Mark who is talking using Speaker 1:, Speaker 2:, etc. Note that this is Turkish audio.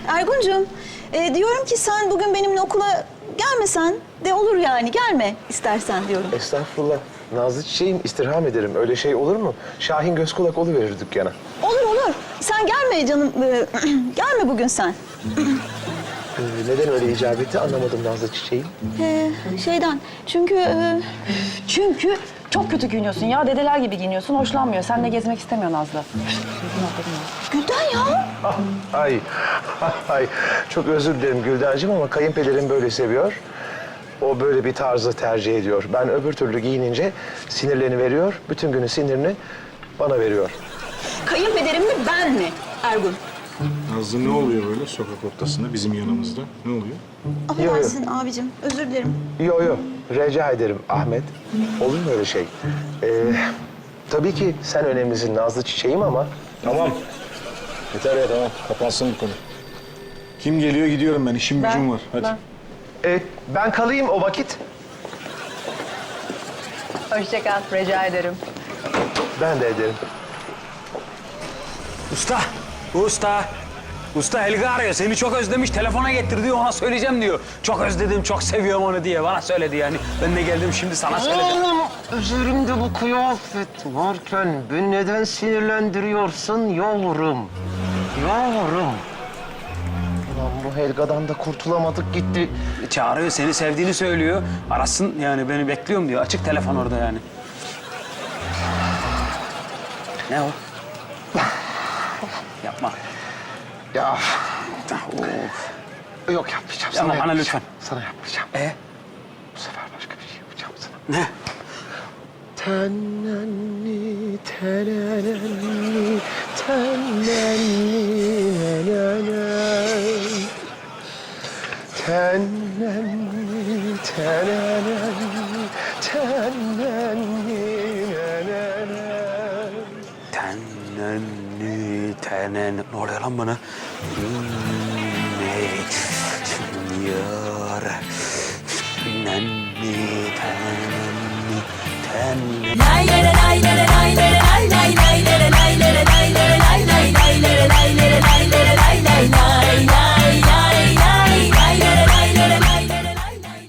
Speaker 1: Erguncuğum, diyorum ki sen bugün benimle okula gelmesen de olur yani. Gelme istersen diyorum.
Speaker 2: Estağfurullah. Nazlı çiçeğim, istirham ederim. Öyle şey olur mu? Şahin göz kulak oluverir dükkana.
Speaker 1: Olur olur. Sen gelme canım. Gelme bugün sen.
Speaker 2: Neden öyle icap etti anlamadım Nazlı çiçeğim.
Speaker 1: Şeyden.
Speaker 3: Çünkü çok kötü giyiniyorsun ya. Dedeler gibi giyiniyorsun. Hoşlanmıyor. Seninle gezmek istemiyor Nazlı.
Speaker 1: Gülden ya.
Speaker 2: Ay, ay. Çok özür dilerim Güldencim ama kayınpederim böyle seviyor. O böyle bir tarzı tercih ediyor. Ben öbür türlü giyinince sinirlerini veriyor. Bütün günün sinirini bana veriyor.
Speaker 1: Kayınpederim mi ben mi Ergun?
Speaker 4: Nazlı ne oluyor böyle sokak ortasında bizim yanımızda? Ne oluyor?
Speaker 1: Affedersin abicim. Özür dilerim.
Speaker 2: Yo, rica ederim Ahmet. Olur mu öyle şey? Tabii ki sen önemlisin Nazlı çiçeğim ama...
Speaker 4: Tamam. Yeter ya tamam. Kapansın bu konu. Kim geliyor gidiyorum ben. İşim gücüm var. Hadi.
Speaker 2: Ben kalayım o vakit.
Speaker 3: Hoşça kal. Rica ederim.
Speaker 2: Ben de ederim.
Speaker 5: Usta Helga arıyor. Seni çok özlemiş. Telefona getir diyor. Ona söyleyeceğim diyor. Çok özledim, çok seviyorum onu diye. Bana söyledi yani. Ben de geldim şimdi sana söyledim.
Speaker 6: Oğlum, üzerimde bu kıyafet varken beni neden sinirlendiriyorsun yavrum? Yavrum.
Speaker 2: Ulan bu Helga'dan da kurtulamadık gitti.
Speaker 5: Çağırıyor, seni sevdiğini söylüyor. Arasın yani beni bekliyorum diyor. Açık telefon orada yani. Ne o? Yapma.
Speaker 2: Ya
Speaker 5: Of.
Speaker 2: yok yapmayacağım.
Speaker 5: Sana, bana
Speaker 2: yapmayacağım.
Speaker 5: lütfen.
Speaker 2: Sana yapmayacağım. Bu sefer başka bir şey yapacağım sana.
Speaker 5: Ne?
Speaker 2: Tenenni, tenenni, tenenni, nenenen. Tenenni, tenenni, tenenni, nenenen.
Speaker 5: Tenen. Ne oluyor lan bana?